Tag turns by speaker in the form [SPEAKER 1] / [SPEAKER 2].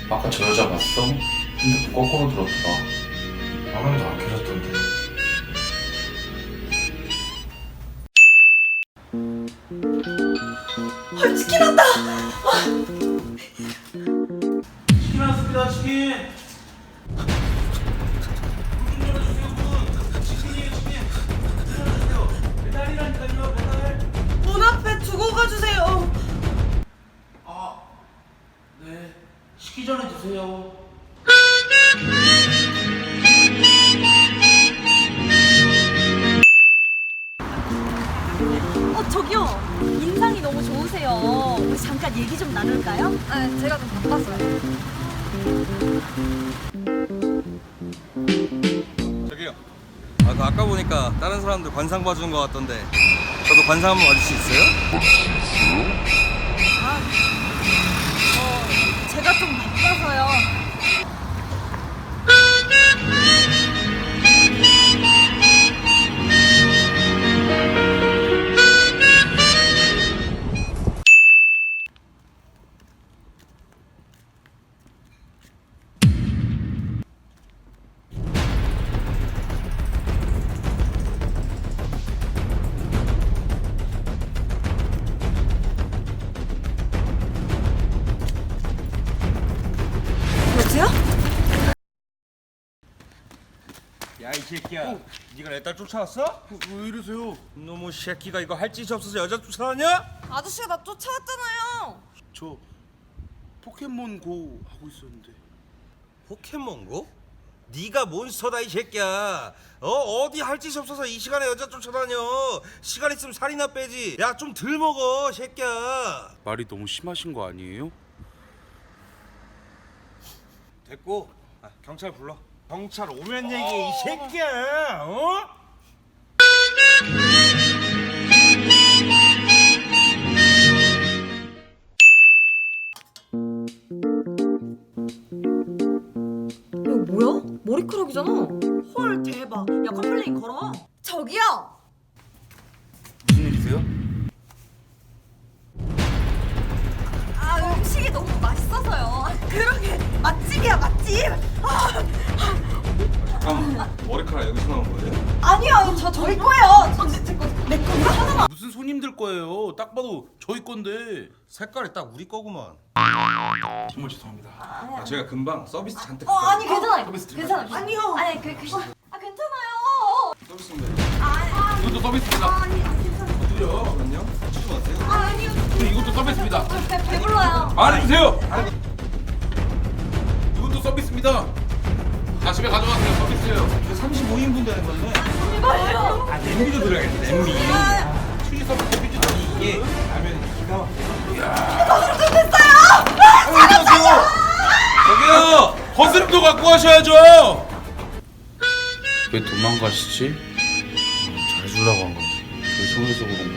[SPEAKER 1] 아까 저 여자 봤어? 핸드폰 거꾸로 들었더라. 화면도 안 켜졌던데.
[SPEAKER 2] 헐, 치킨 왔다!
[SPEAKER 3] 치킨 왔습니다, 치킨. 문 열어주세요, 문. 치킨이에요, 치킨. 문 열어주세요. 배달이라니까요, 배달.
[SPEAKER 2] 문 앞에 두고 가주세요.
[SPEAKER 3] 아, 네. 식기 전에 드세요.
[SPEAKER 4] 저기요. 인상이 너무 좋으세요. 우리 잠깐 얘기 좀 나눌까요?
[SPEAKER 5] 아, 제가 좀 바빴어요.
[SPEAKER 6] 저기요. 아까 보니까 다른 사람들 관상 봐주는 것 같던데 저도 관상 한번 봐줄 수 있어요?
[SPEAKER 4] 제가 좀 바빠서요.
[SPEAKER 2] 여보세요?
[SPEAKER 6] 야 이 새끼야 네가 내 딸 쫓아왔어?
[SPEAKER 3] 왜 이러세요?
[SPEAKER 6] 너무 새끼가 이거 할 짓이 없어서 여자 쫓아다냐?
[SPEAKER 5] 아저씨가 나 쫓아왔잖아요.
[SPEAKER 3] 저 포켓몬고 하고 있었는데.
[SPEAKER 6] 포켓몬고? 네가 몬스터다 이 새끼야. 어디 할 짓이 없어서 이 시간에 여자 쫓아다녀. 시간 있으면 살이나 빼지. 야 좀 덜 먹어 새끼야.
[SPEAKER 3] 말이 너무 심하신 거 아니에요?
[SPEAKER 6] 됐고 경찰 불러. 경찰 오면 얘기해 이 새끼야. 어?
[SPEAKER 2] 이거 뭐야? 머리카락이잖아. 헐, 대박. 야, 컴플레인 걸어.
[SPEAKER 5] 저기요.
[SPEAKER 3] 무슨 일이세요?
[SPEAKER 5] 아, 음식이 너무 맛있어서요.
[SPEAKER 2] 그러게, 맛집이야, 맛집.
[SPEAKER 6] 잠깐만 머리카락 여기서 나온 거예요?
[SPEAKER 5] 아니요, 저희 거예요.
[SPEAKER 2] 내 건가? 하나만.
[SPEAKER 3] 무슨 손님들 거예요? 딱 봐도 저희 건데.
[SPEAKER 6] 색깔이 딱 우리 거구만.
[SPEAKER 3] 정말 죄송합니다.
[SPEAKER 6] 제가 금방 서비스 잔뜩
[SPEAKER 5] 아니, 괜찮아요.
[SPEAKER 3] 서비스
[SPEAKER 5] 괜찮아요.
[SPEAKER 2] 아니요.
[SPEAKER 5] 아니, 괜찮아요.
[SPEAKER 6] 서비스인데
[SPEAKER 3] 이것도 서비스입니다.
[SPEAKER 6] 잠깐만요. 치지 마세요.
[SPEAKER 5] 아니요.
[SPEAKER 3] 이것도 서비스입니다.
[SPEAKER 5] 배불러요.
[SPEAKER 3] 안 해주세요. 이것도 서비스입니다. 다 집에 가져가세요. 서비스예요.
[SPEAKER 6] 이거 35인분 되는 건데.
[SPEAKER 5] 제발요.
[SPEAKER 6] 냄비도 들어야겠다. 냄비.
[SPEAKER 3] 취지 서비스 비지
[SPEAKER 6] 이게 라면이 기가
[SPEAKER 3] 안녕하세요. 저기요. 거스름도 갖고 가셔야죠.
[SPEAKER 1] 왜 도망가시지? 잘 주려고 한 건데. 죄송해서 그런